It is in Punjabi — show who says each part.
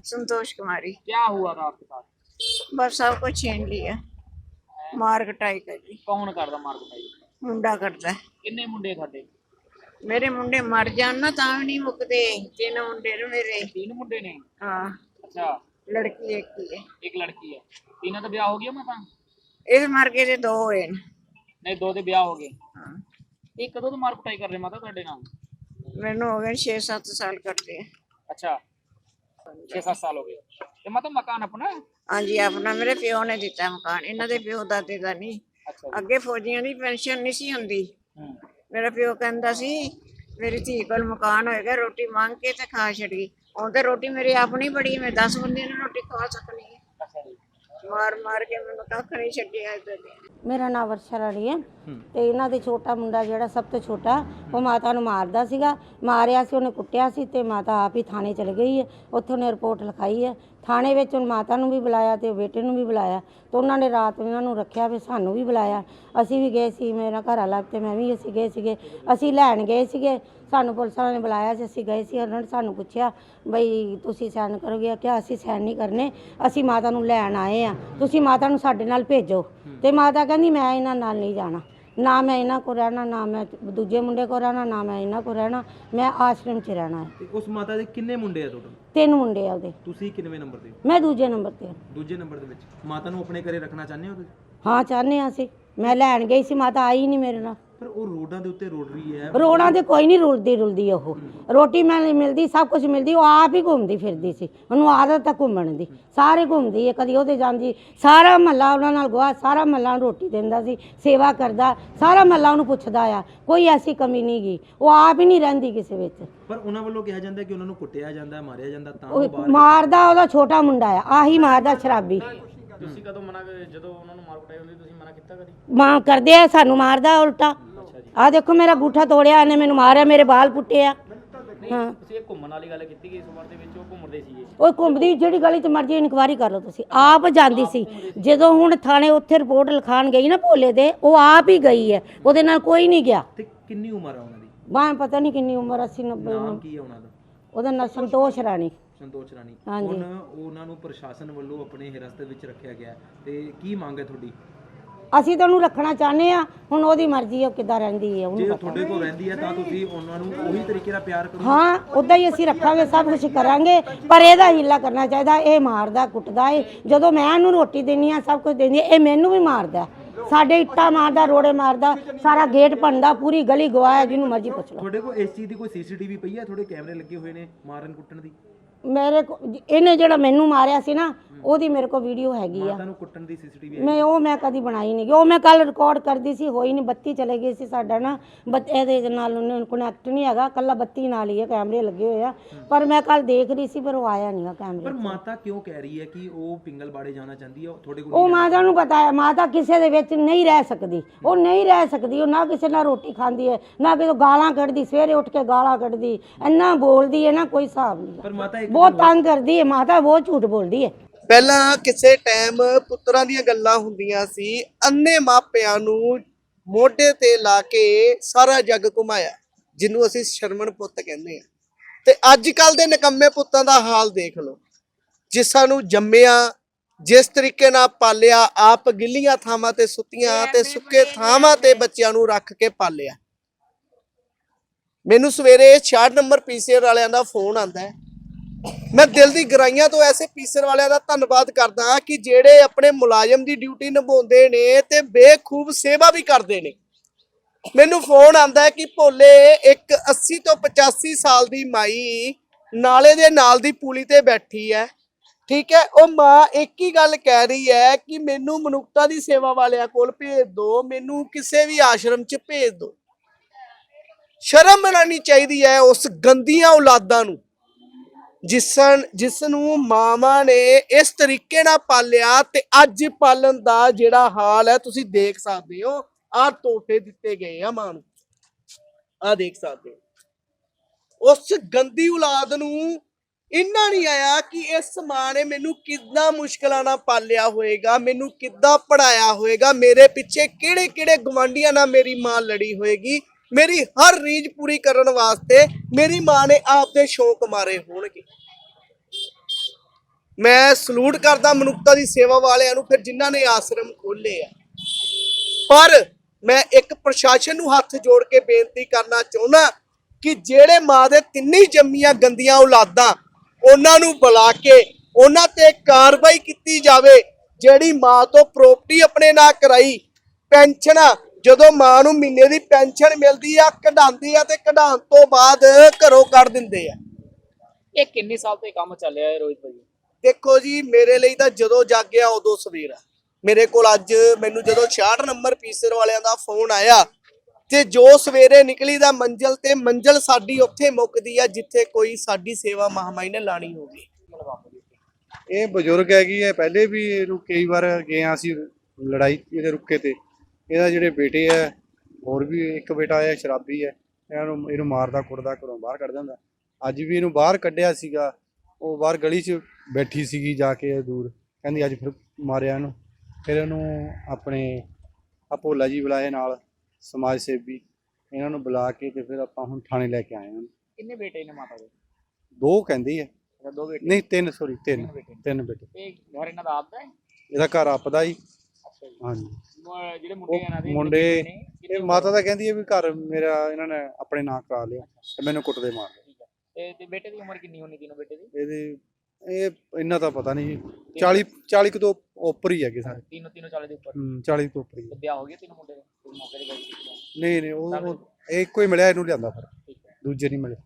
Speaker 1: संतोष कुमारी।
Speaker 2: क्या हुआ था आपके साथ?
Speaker 1: बस सब कुछ छीन लिया, मार कटाई करी।
Speaker 2: कौन करदा मार कुटाई?
Speaker 1: मुंडा करता है।
Speaker 2: किन्ने मुंडे खादे?
Speaker 1: मेरे मुंडे मर जान ना तां भी नहीं मुकदे। तीन मुंडे ने मेरे।
Speaker 2: 3 मुंडे ने?
Speaker 1: हाँ,
Speaker 2: अच्छा,
Speaker 1: लड़की एक ही है।
Speaker 2: एक लड़की है। तीनों का ब्याह हो गया माता?
Speaker 1: इस मर के ते दो होए न।
Speaker 2: नहीं, 2 ਦੇ ब्याह हो गए।
Speaker 1: हाँ,
Speaker 2: ਇਹ ਕਦੋਂ ਤੋਂ ਮਾਰ ਕੁਟਾਈ ਕਰ ਰਹੇ ਮਾਤਾ ਤੁਹਾਡੇ ਨਾਲ?
Speaker 1: मैनू हो गए 6-7 साल करते हैं।
Speaker 2: अच्छा, 6-7 साल हो गए। ਤੇ ਮਾਤਾ ਮਕਾਨ ਆਪਣਾ ਹੈ?
Speaker 1: हाँ जी, अपना मेरे प्यो ने दिता मकान, इन्हां दे प्यो दादे दा नहीं।
Speaker 2: ਅੱਛਾ ਜੀ।
Speaker 1: ਅੱਗੇ ਫੌਜੀਆਂ ਦੀ ਪੈਨਸ਼ਨ ਨਹੀਂ ਸੀ ਹੁੰਦੀ।
Speaker 2: ਹੂੰ।
Speaker 1: ਮੇਰਾ ਪਿਓ ਕਹਿੰਦਾ ਸੀ ਮੇਰੀ ਧੀ ਕੋਲ ਮਕਾਨ ਹੋਏਗਾ, ਰੋਟੀ ਮੰਗ ਕੇ ਤੇ ਖਾ ਛੱਡੀ। ਹੁਣ ਤੇ ਰੋਟੀ ਮੇਰੀ ਆਪਣੀ ਬੜੀ, ਮੈਂ 10 ਬੰਦੇ ਨੂੰ ਰੋਟੀ ਖਵਾ ਸਕਣੀ ਹੈ।
Speaker 2: ਅੱਛਾ ਜੀ।
Speaker 1: ਮਾਰ ਮਾਰ ਕੇ ਮੈਨੂੰ ਕੱਖ ਨਹੀਂ ਛੱਡਿਆ ਇੱਧਰ ਦੇ।
Speaker 3: ਮੇਰਾ ਨਾਮ ਵਰਸ਼ਾ ਰਾਣੀ ਹੈ ਤੇ ਇਹਨਾਂ ਦੇ ਛੋਟਾ ਮੁੰਡਾ ਜਿਹੜਾ ਸਭ ਤੋਂ ਛੋਟਾ ਉਹ ਮਾਤਾ ਨੂੰ ਮਾਰਦਾ ਸੀਗਾ। ਮਾਰਿਆ ਸੀ, ਉਹਨੇ ਕੁੱਟਿਆ ਸੀ ਤੇ ਮਾਤਾ ਆਪ ਹੀ ਥਾਣੇ ਚਲ ਗਈ ਹੈ। ਉੱਥੇ ਉਹਨੇ ਰਿਪੋਰਟ ਲਿਖਾਈ ਹੈ। ਥਾਣੇ ਵਿੱਚ ਹੁਣ ਮਾਤਾ ਨੂੰ ਵੀ ਬੁਲਾਇਆ ਤੇ ਬੇਟੇ ਨੂੰ ਵੀ ਬੁਲਾਇਆ ਤੇ ਉਹਨਾਂ ਨੇ ਰਾਤ ਇਹਨਾਂ ਨੂੰ ਰੱਖਿਆ, ਫਿਰ ਸਾਨੂੰ ਵੀ ਬੁਲਾਇਆ। ਅਸੀਂ ਵੀ ਗਏ ਸੀ, ਮੇਰਾ ਘਰ ਵਾਲਾ ਤੇ ਮੈਂ ਵੀ ਅਸੀਂ ਗਏ ਸੀਗੇ। ਅਸੀਂ ਲੈਣ ਗਏ ਸੀਗੇ, ਸਾਨੂੰ ਪੁਲਿਸ ਵਾਲਿਆਂ ਨੇ ਬੁਲਾਇਆ ਸੀ। ਅਸੀਂ ਗਏ ਸੀ, ਉਹਨਾਂ ਨੇ ਸਾਨੂੰ ਪੁੱਛਿਆ ਬਈ ਤੁਸੀਂ ਸਾਈਨ ਕਰੋਗੇ? ਕਿ ਅਸੀਂ ਸਾਈਨ ਨਹੀਂ ਕਰਨੇ, ਅਸੀਂ ਮਾਤਾ ਨੂੰ ਲੈਣ ਆਏ ਆ, ਤੁਸੀਂ ਮਾਤਾ ਨੂੰ ਸਾਡੇ ਨਾਲ ਭੇਜੋ। ਤੇ ਮਾਤਾ ਕਹਿੰਦੀ ਮੈਂ ਇਹਨਾਂ ਨਾਲ ਨਹੀਂ ਜਾਣਾ, ਨਾ ਮੈਂ ਇਹਨਾਂ ਕੋਲ ਰਹਿਣਾ, ਨਾ ਮੈਂ ਦੂਜੇ ਮੁੰਡੇ ਕੋਲ ਰਹਿਣਾ, ਨਾ ਮੈਂ ਇਹਨਾਂ ਕੋਲ ਰਹਿਣਾ, ਮੈਂ ਆਸ਼ਰਮ 'ਚ ਰਹਿਣਾ ਹੈ।
Speaker 4: ਤੇ ਉਸ ਮਾਤਾ ਦੇ ਕਿੰਨੇ ਮੁੰਡੇ ਆ ਟੋਟਲ?
Speaker 3: 3 ਮੁੰਡੇ ਆ ਉਹਦੇ।
Speaker 4: ਤੁਸੀਂ ਕਿੰਨਵੇਂ ਨੰਬਰ ਤੇ?
Speaker 3: ਮੈਂ ਦੂਜੇ ਨੰਬਰ ਤੇ ਹਾਂ।
Speaker 4: ਦੂਜੇ ਨੰਬਰ ਦੇ ਵਿੱਚ ਮਾਤਾ ਨੂੰ ਆਪਣੇ ਘਰੇ ਰੱਖਣਾ ਚਾਹੁੰਦੇ ਹੋ ਤੁਸੀਂ?
Speaker 3: ਹਾਂ ਚਾਹੁੰਦੇ ਹਾਂ ਅਸੀਂ। ਮੈਂ ਲੈਣ ਗਈ ਸੀ, ਮਾਤਾ ਆਈ ਨਹੀਂ ਮੇਰੇ ਨਾਲ।
Speaker 4: ਪਰ ਉਹ ਰੋਡਾਂ ਦੇ ਉੱਤੇ ਰੋਡ ਰਹੀ ਹੈ।
Speaker 3: ਰੋੜਾਂ ਤੇ ਕੋਈ ਨਹੀਂ ਰੁਲਦੀ ਉਹ। ਰੋਟੀ ਮੈਂ ਮਿਲਦੀ, ਸਭ ਕੁਝ ਮਿਲਦੀ, ਉਹ ਆਪ ਹੀ ਘੁੰਮਦੀ ਫਿਰਦੀ ਸੀ। ਉਹਨੂੰ ਆਦਤ ਹੈ ਘੁੰਮਣ ਦੀ, ਸਾਰੇ ਘੁੰਮਦੀ ਹੈ, ਕਦੀ ਉਹਦੇ ਜਾਂਦੀ। ਸਾਰਾ ਮਹੱਲਾ ਉਹਨਾਂ ਨਾਲ ਗਵਾ, ਸਾਰਾ ਮਹੱਲਾ ਨੂੰ ਰੋਟੀ ਦਿੰਦਾ ਸੀ, ਸੇਵਾ ਕਰਦਾ, ਸਾਰਾ ਮਹੱਲਾ ਉਹਨੂੰ ਪੁੱਛਦਾ ਆ, ਕੋਈ ਐਸੀ ਕਮੀ ਨਹੀਂ ਗਈ। ਉਹ ਆਪ ਹੀ ਨਹੀਂ ਰਹਿੰਦੀ ਕਿਸੇ ਵਿੱਚ।
Speaker 4: ਪਰ ਉਹਨਾਂ ਵੱਲੋਂ ਕਿਹਾ ਜਾਂਦਾ ਕਿ ਉਹਨਾਂ ਨੂੰ ਕੁੱਟਿਆ ਜਾਂਦਾ, ਮਾਰਿਆ ਜਾਂਦਾ, ਤਾਂ
Speaker 3: ਉਹ
Speaker 4: ਉਹ ਬਾਹਰ।
Speaker 3: ਮਾਰਦਾ ਉਹਦਾ ਛੋਟਾ ਮੁੰਡਾ ਆ, ਆਹੀ ਮਾਰਦਾ ਸ਼ਰਾਬੀ।
Speaker 2: ਤੁਸੀਂ ਕਦੋਂ ਮਨਾ ਜਦੋਂ ਉਹਨਾਂ ਨੂੰ ਮਾਰ ਕੁਟਾਈ ਹੁੰਦੀ ਤੁਸੀਂ ਮਨਾ ਕੀਤਾ ਕਦੀ?
Speaker 3: ਮਾਂ ਕਰਦੇ ਆ, ਸਾਨੂੰ ਮਾਰਦਾ ਉਲਟਾ। ਆ ਦੇਖੋ ਮੇਰਾ ਗੂਠਾ ਤੋੜਿਆ ਇਹਨੇ, ਮੈਨੂੰ ਮਾਰਿਆ, ਮੇਰੇ ਬਾਲ ਪੁੱਟੇ ਆ। ਹਾਂ,
Speaker 2: ਤੁਸੀਂ ਇਹ ਘੁੰਮਣ ਵਾਲੀ ਗੱਲ ਕੀਤੀ ਕਿ ਇਸ ਉਮਰ ਦੇ ਵਿੱਚ ਉਹ ਘੁੰਮਦੇ ਸੀਗੇ?
Speaker 3: ਉਹ ਘੁੰਮਦੀ ਜਿਹੜੀ ਗਲੀ 'ਚ ਮਰਜੀ ਇਨਕੁਆਰੀ ਕਰ ਲਓ ਤੁਸੀਂ, ਆਪ ਜਾਂਦੀ ਸੀ। ਜਦੋਂ ਹੁਣ ਥਾਣੇ ਉੱਥੇ ਰਿਪੋਰਟ ਲਿਖਾਣ ਗਈ ਨਾ ਭੋਲੇ ਦੇ, ਉਹ ਆਪ ਹੀ ਗਈ ਹੈ, ਉਹਦੇ ਨਾਲ ਕੋਈ ਨਹੀਂ ਗਿਆ।
Speaker 4: ਤੇ ਕਿੰਨੀ ਉਮਰ ਆ ਉਹਨਾਂ ਦੀ?
Speaker 3: ਬਾਹ ਪਤਾ ਨਹੀਂ ਕਿੰਨੀ ਉਮਰ, 80-90।
Speaker 4: ਨਾਮ ਕੀ ਹੈ ਉਹਨਾਂ ਦਾ?
Speaker 3: ਉਹਦਾ ਨਾਂ ਸੰਤੋਸ਼ ਰਾਣੀ।
Speaker 4: ਸੰਤੋਸ਼ ਰਾਣੀ।
Speaker 3: ਹਾਂਜੀ।
Speaker 4: ਹੁਣ ਉਹਨਾਂ ਨੂੰ ਪ੍ਰਸ਼ਾਸਨ ਵੱਲੋਂ ਆਪਣੇ ਹਿਰਾਸਤ ਵਿੱਚ ਰੱਖਿਆ ਗਿਆ ਤੇ ਕੀ ਮੰਗ ਹੈ ਤੁਹਾਡੀ?
Speaker 3: ਅਸੀਂ ਤਾਂ ਉਹਨੂੰ ਰੱਖਣਾ ਚਾਹੁੰਦੇ ਆ, ਹੁਣ ਉਹਦੀ ਮਰਜ਼ੀ ਹੈ, ਉਹ ਕਿੱਦਾਂ ਰਹਿੰਦੀ ਹੈ
Speaker 4: ਜੇ
Speaker 3: ਉਹਨੂੰ
Speaker 4: ਉਹ
Speaker 3: ਪਤਾ।
Speaker 4: ਤੁਹਾਡੇ ਕੋਲ ਰਹਿੰਦੀ ਹੈ ਤਾਂ ਤੁਸੀਂ ਉਹਨਾਂ ਨੂੰ ਉਹੀ ਤਰੀਕੇ ਨਾਲ ਪਿਆਰ ਕਰੋ।
Speaker 3: ਹਾਂ, ਉੱਦਾਂ ਹੀ ਅਸੀਂ ਰੱਖਾਂਗੇ, ਸਭ ਕੁਝ ਕਰਾਂਗੇ, ਪਰ ਇਹਦਾ ਹੀਲਾ ਕਰਨਾ ਚਾਹੀਦਾ। ਇਹ ਮਾਰਦਾ ਕੁੱਟਦਾ ਏ, ਜਦੋਂ ਮੈਂ ਇਹਨੂੰ ਰੋਟੀ ਦਿੰਦੀ ਆ, ਸਭ ਕੁਝ ਦਿੰਦੀ ਆ, ਇਹ ਮੈਨੂੰ ਵੀ ਮਾਰਦਾ। ਸਾਡੇ ਇੱਟਾਂ ਮਾਰਦਾ, ਰੋੜੇ ਮਾਰਦਾ, ਸਾਰਾ ਗੇਟ ਭੰਨਦਾ, ਪੂਰੀ ਗਲੀ ਗਵਾਇਆ, ਜਿਹਨੂੰ ਮਰਜ਼ੀ ਪੁੱਛ ਲਓ।
Speaker 4: ਤੁਹਾਡੇ ਕੋਲ ਇਸ ਚੀਜ਼ ਦੀ ਕੋਈ ਸੀਸੀਟੀਵੀ ਪਈ ਹੈ? ਤੁਹਾਡੇ ਕੈਮਰੇ ਲੱਗੇ ਹੋਏ ਨੇ ਮਾਰਨ ਕੁੱਟਣ ਦੀ?
Speaker 3: ਮੇਰੇ ਕੋ ਇਹਨੇ ਜਿਹੜਾ ਮੈਨੂੰ ਮਾਰਿਆ ਸੀ ਨਾ, ਉਹਦੀ ਮੇਰੇ ਕੋਲ ਵੀਡੀਓ ਹੈਗੀ ਆ।
Speaker 4: ਮਾਤਾ ਨੂੰ ਕੁੱਟਣ ਦੀ ਸੀਸੀਟੀਵੀ ਹੈ?
Speaker 3: ਮੈਂ ਕਦੀ ਬਣਾਈ ਨਹੀਂ, ਉਹ ਮੈਂ ਕੱਲ ਰਿਕਾਰਡ ਕਰਦੀ ਸੀ, ਹੋਈ ਨਹੀਂ, ਬੱਤੀ ਚਲੇ ਗਈ ਸੀ ਸਾਡਾ ਨਾ। ਇਹਦੇ ਨਾਲ ਉਹਨੇ ਕਨੈਕਟ ਨਹੀਂ ਹੈਗਾ, ਕੱਲਾ ਬੱਤੀ ਨਾਲ ਹੀ ਹੈ, ਕੈਮਰੇ ਲੱਗੇ ਹੋਏ ਆ। ਪਰ ਮੈਂ ਕੱਲ ਦੇਖ ਰਹੀ ਸੀ, ਪਰ ਉਹ ਆਇਆ ਨਹੀਂਗਾ ਕੈਮਰੇ।
Speaker 4: ਪਰ ਮਾਤਾ ਕਿਉਂ ਕਹਿ ਰਹੀ ਹੈ ਕਿ ਉਹ ਪਿੰਗਲਬਾੜੇ ਜਾਣਾ ਚਾਹੁੰਦੀ ਹੈ? ਤੁਹਾਡੇ ਕੋਲ
Speaker 3: ਉਹ ਮਾਤਾ ਨੂੰ ਪਤਾ ਹੈ, ਮਾਤਾ ਕਿਸੇ ਦੇ ਵਿੱਚ ਨਹੀਂ ਰਹਿ ਸਕਦੀ, ਉਹ ਨਹੀਂ ਰਹਿ ਸਕਦੀ। ਉਹ ਨਾ ਕਿਸੇ ਨਾਲ ਰੋਟੀ ਖਾਂਦੀ ਹੈ, ਨਾ ਕਿਸੇ ਗਾਲਾਂ ਕੱਢਦੀ, ਸਵੇਰੇ ਉੱਠ ਕੇ ਗਾਲਾਂ ਕੱਢਦੀ, ਇੰਨਾ ਬੋਲਦੀ ਹੈ ਨਾ ਕੋਈ ਹਿਸਾਬ ਨਹੀਂ।
Speaker 4: ਪਰ ਮਾਤਾ
Speaker 3: ਬਹੁਤ ਤੰਗ ਕਰਦੀ ਹੈ ਮਾਤਾ, ਬਹੁਤ ਝੂਠ ਬੋਲਦੀ ਹੈ।
Speaker 5: ਪਹਿਲਾਂ ਕਿਸੇ ਟਾਈਮ ਪੁੱਤਰਾਂ ਦੀਆਂ ਗੱਲਾਂ ਹੁੰਦੀਆਂ ਸੀ, ਅੰਨੇ ਮਾਪਿਆਂ ਨੂੰ ਮੋਢੇ ਤੇ ਲਾ ਕੇ ਸਾਰਾ ਜੱਗ ਘੁਮਾਇਆ, ਜਿਹਨੂੰ ਅਸੀਂ ਸ਼ਰਮਣ ਪੁੱਤ ਕਹਿੰਦੇ ਆ। ਤੇ ਅੱਜ ਕੱਲ ਦੇ ਨਿਕੰਮੇ ਪੁੱਤਾਂ ਦਾ ਹਾਲ ਦੇਖ ਲਓ, ਜਿਸਾਂ ਨੂੰ ਜੰਮਿਆ, ਜਿਸ ਤਰੀਕੇ ਨਾਲ ਪਾਲਿਆ, ਆਪ ਗਿੱਲੀਆਂ ਥਾਵਾਂ ਤੇ ਸੁੱਤੀਆਂ ਤੇ ਸੁੱਕੇ ਥਾਵਾਂ ਤੇ ਬੱਚਿਆਂ ਨੂੰ ਰੱਖ ਕੇ ਪਾਲਿਆ। ਮੈਨੂੰ ਸਵੇਰੇ 66 ਨੰਬਰ ਪੀਸੀਆਰ ਵਾਲਿਆਂ ਦਾ ਫੋਨ ਆਂਦਾ ਹੈ। ਮੈਂ ਦਿਲ ਦੀ ਗਹਿਰਾਈਆਂ ਤੋਂ ਐਸੇ ਪੀਸੀਆਰ ਵਾਲਿਆਂ ਦਾ ਧੰਨਵਾਦ ਕਰਦਾ ਕਿ ਜਿਹੜੇ ਆਪਣੇ ਮੁਲਾਜ਼ਮ ਦੀ ਡਿਊਟੀ ਨਿਭਾਉਂਦੇ ਨੇ ਤੇ ਬੇਖੂਬ ਸੇਵਾ ਵੀ ਕਰਦੇ ਨੇ। ਮੈਨੂੰ ਫੋਨ ਆਂਦਾ ਹੈ ਕਿ ਭੋਲੇ ਇੱਕ 80 ਤੋਂ 85 ਸਾਲ ਦੀ ਮਾਈ ਨਾਲੇ ਦੇ ਨਾਲ ਦੀ ਪੁਲੀ ਤੇ ਬੈਠੀ ਹੈ, ਠੀਕ ਹੈ। ਉਹ ਮਾਂ ਇੱਕ ਹੀ ਗੱਲ ਕਹਿ ਰਹੀ ਹੈ ਕਿ ਮੈਨੂੰ ਮਨੁੱਖਤਾ ਦੀ ਸੇਵਾ ਵਾਲਿਆਂ ਕੋਲ ਭੇਜ ਦਿਓ, ਮੈਨੂੰ ਕਿਸੇ ਵੀ ਆਸ਼ਰਮ 'ਚ ਭੇਜ ਦਿਓ। ਸ਼ਰਮ ਮਨਾਉਣੀ ਚਾਹੀਦੀ ਹੈ ਉਸ ਗੰਦੀਆਂ ਔਲਾਦਾਂ ਨੂੰ, ਜਿਸ ਨੂੰ ਮਾਵਾਂ ਨੇ ਇਸ ਤਰੀਕੇ ਨਾਲ ਪਾਲਿਆ। ਤੇ ਅੱਜ ਪਾਲਣ ਦਾ ਜਿਹੜਾ ਹਾਲ ਹੈ ਤੁਸੀਂ ਦੇਖ ਸਕਦੇ ਹੋ। ਆਹ ਤੋਹਫੇ ਦਿੱਤੇ ਗਏ ਆ ਮਾਂ ਨੂੰ, ਆਹ ਦੇਖ ਸਕਦੇ ਹੋ। ਉਸ ਗੰਦੀ ਔਲਾਦ ਨੂੰ ਇੰਨਾ ਨਹੀਂ ਆਇਆ ਕਿ ਇਸ ਮਾਂ ਨੇ ਮੈਨੂੰ ਕਿੰਨਾ ਮੁਸ਼ਕਲਾਂ ਨਾਲ ਪਾਲਿਆ ਹੋਏਗਾ, ਮੈਨੂੰ ਕਿੱਦਾਂ ਪੜਾਇਆ ਹੋਏਗਾ, ਮੇਰੇ ਪਿੱਛੇ ਕਿਹੜੇ ਕਿਹੜੇ ਗਵਾਂਢੀਆਂ ਨਾਲ ਮੇਰੀ ਮਾਂ ਲੜੀ ਹੋਏਗੀ, ਮੇਰੀ ਹਰ ਰੀਝ ਪੂਰੀ ਕਰਨ ਵਾਸਤੇ ਮੇਰੀ ਮਾਂ ਨੇ ਆਪਦੇ ਸ਼ੌਕ ਮਾਰੇ ਹੋਣਗੇ। ਮੈਂ ਸਲੂਟ ਕਰਦਾ ਮਨੁੱਖਤਾ ਦੀ ਸੇਵਾ ਵਾਲਿਆਂ ਨੂੰ, ਫਿਰ ਜਿਨ੍ਹਾਂ ਨੇ ਆਸ਼ਰਮ ਖੋਲ੍ਹੇ ਆ। ਪਰ ਮੈਂ ਇੱਕ ਪ੍ਰਸ਼ਾਸਨ ਨੂੰ ਹੱਥ ਜੋੜ ਕੇ ਬੇਨਤੀ ਕਰਨਾ ਚਾਹੁੰਦਾ ਕਿ ਜਿਹੜੇ ਮਾਂ ਦੇ ਤਿੰਨੇ ਜੰਮੀਆਂ ਗੰਦੀਆਂ ਔਲਾਦਾਂ, ਉਹਨਾਂ ਨੂੰ ਬੁਲਾ ਕੇ ਉਹਨਾਂ ਤੇ ਕਾਰਵਾਈ ਕੀਤੀ ਜਾਵੇ। ਜਿਹੜੀ ਮਾਂ ਤੋਂ ਪ੍ਰਾਪਰਟੀ ਆਪਣੇ ਨਾਂ ਕਰਾਈ, ਪੈਨਸ਼ਨ ਜਦੋਂ ਮਾਂ ਨੂੰ ਮਹੀਨੇ ਦੀ ਪੈਨਸ਼ਨ ਮਿਲਦੀ ਆ, ਕਢਾਉਂਦੀ ਆ ਤੇ ਕਢਾਉਣ ਤੋਂ ਬਾਅਦ ਘਰੋਂ ਕੱਢ ਦਿੰਦੇ ਆ।
Speaker 2: ਇਹ ਕਿੰਨੇ ਸਾਲ ਤੋਂ ਇਹ ਕੰਮ ਚੱਲ ਰਿਹਾ ਹੈ ਰੋਹਿਤ ਭਾਈ?
Speaker 5: ਦੇਖੋ ਜੀ, ਮੇਰੇ ਲਈ ਤਾਂ ਜਦੋਂ ਜਾਗਿਆ ਉਦੋਂ ਸਵੇਰ ਆ। ਮੇਰੇ ਕੋਲ ਅੱਜ ਮੈਨੂੰ ਜਦੋਂ 66 ਨੰਬਰ ਪੀਸਰ ਵਾਲਿਆਂ ਦਾ ਫੋਨ ਆਇਆ ਤੇ ਜੋ ਸਵੇਰੇ ਨਿਕਲੀ ਦਾ ਮੰਜ਼ਲ, ਤੇ ਮੰਜ਼ਲ ਸਾਡੀ ਉੱਥੇ ਮੁੱਕਦੀ ਆ ਜਿੱਥੇ ਕੋਈ ਸਾਡੀ ਸੇਵਾ ਮਹਾਮਾਈ ਨੇ ਲਾਣੀ ਹੋਵੇ।
Speaker 6: ਇਹ ਬਜ਼ੁਰਗ ਹੈਗੀ ਹੈ, ਪਹਿਲੇ ਵੀ ਇਹਨੂੰ ਕਈ ਵਾਰ ਗਏ ਹਾਂ ਅਸੀਂ ਲੜਾਈ ਇਹਦੇ ਰੁੱਕੇ ਤੇ। ਇਹਦਾ ਜਿਹੜੇ ਬੇਟੇ ਹੈ, ਹੋਰ ਵੀ ਇੱਕ ਬੇਟਾ ਹੈ ਸ਼ਰਾਬੀ ਹੈ, ਇਹਨੂੰ ਮਾਰਦਾ ਕੁੱਟਦਾ, ਘਰੋਂ ਬਾਹਰ ਕੱਢ ਦਿੰਦਾ। ਅੱਜ ਵੀ ਇਹਨੂੰ ਬਾਹਰ ਕੱਢਿਆ ਸੀਗਾ, ਉਹ ਬਾਹਰ ਗਲੀ 'ਚ ਬੈਠੀ ਸੀਗੀ ਜਾ ਕੇ ਦੂਰ, ਕਹਿੰਦੀ ਅੱਜ ਫਿਰ ਮਾਰਿਆ ਇਹਨੂੰ। ਫਿਰ ਇਹਨੂੰ ਆਪਣੇ ਭੋਲਾ ਜੀ ਬੁਲਾਏ ਨਾਲ ਸਮਾਜ ਸੇਵੀ, ਇਹਨਾਂ ਨੂੰ ਬੁਲਾ ਕੇ ਤੇ ਫਿਰ ਆਪਾਂ ਹੁਣ ਥਾਣੇ ਲੈ ਕੇ ਆਏ ਹਾਂ।
Speaker 2: ਕਿੰਨੇ ਬੇਟੇ ਨੇ ਮਾਤਾ ਦੇ?
Speaker 6: 2 ਕਹਿੰਦੀ ਹੈ,
Speaker 2: ਅੱਛਾ, 2 ਬੇਟੇ?
Speaker 6: ਨਹੀਂ 3 ਸੌਰੀ 3
Speaker 2: ਬੇਟੇ।
Speaker 6: 3 ਬੇਟੇ।
Speaker 2: ਇਹ ਘਰ ਇਹਨਾਂ ਦਾ ਆਪਦਾ ਹੈ?
Speaker 6: ਇਹਦਾ ਘਰ ਆਪਦਾ ਹੀ।
Speaker 2: ਅੱਛਾ ਜੀ।
Speaker 6: ਹਾਂਜੀ।
Speaker 2: ਜਿਹੜੇ ਮੁੰਡੇ ਇਹਨਾਂ ਦੇ
Speaker 6: ਮੁੰਡੇ
Speaker 2: ਨੇ,
Speaker 6: ਇਹ ਮਾਤਾ ਦਾ ਕਹਿੰਦੀ ਹੈ ਵੀ ਘਰ ਮੇਰਾ ਇਹਨਾਂ ਨੇ ਆਪਣੇ ਨਾਂ ਕਰਾ ਲਿਆ ਤੇ ਮੈਨੂੰ ਕੁੱਟਦੇ ਮਾਰਦੇ।
Speaker 2: ਠੀਕ ਹੈ। ਤੇ ਬੇਟੇ ਦੀ ਉਮਰ ਕਿੰਨੀ ਹੋਣੀ, ਤਿੰਨੋਂ ਬੇਟੇ ਦੀ?
Speaker 6: ਇਹਦੇ ਇਹ ਇੰਨਾ ਤਾਂ ਪਤਾ ਨਹੀਂ ਜੀ, 40 ਕੁ ਤੋਂ ਉੱਪਰ ਹੀ ਹੈਗੇ ਸਾਰੇ।
Speaker 2: ਤਿੰਨੋਂ 40 ਦੇ ਉੱਪਰ?
Speaker 6: 40 ਤੋਂ ਉੱਪਰ ਹੀ
Speaker 2: ਤੇ ਵਿਆਹ ਹੋ ਗਿਆ ਤਿੰਨੋਂ ਮੁੰਡੇ ਦੇ? ਕੋਈ ਮੌਕੇ ਤੇ ਗਏ ਸੀ?
Speaker 6: ਨਹੀਂ ਉਹ ਇਹ ਇੱਕੋ ਹੀ ਮਿਲਿਆ, ਇਹਨੂੰ ਲਿਆਂਦਾ ਫਿਰ,
Speaker 2: ਠੀਕ ਹੈ।
Speaker 6: ਦੂਜੇ ਨਹੀਂ ਮਿਲੇ।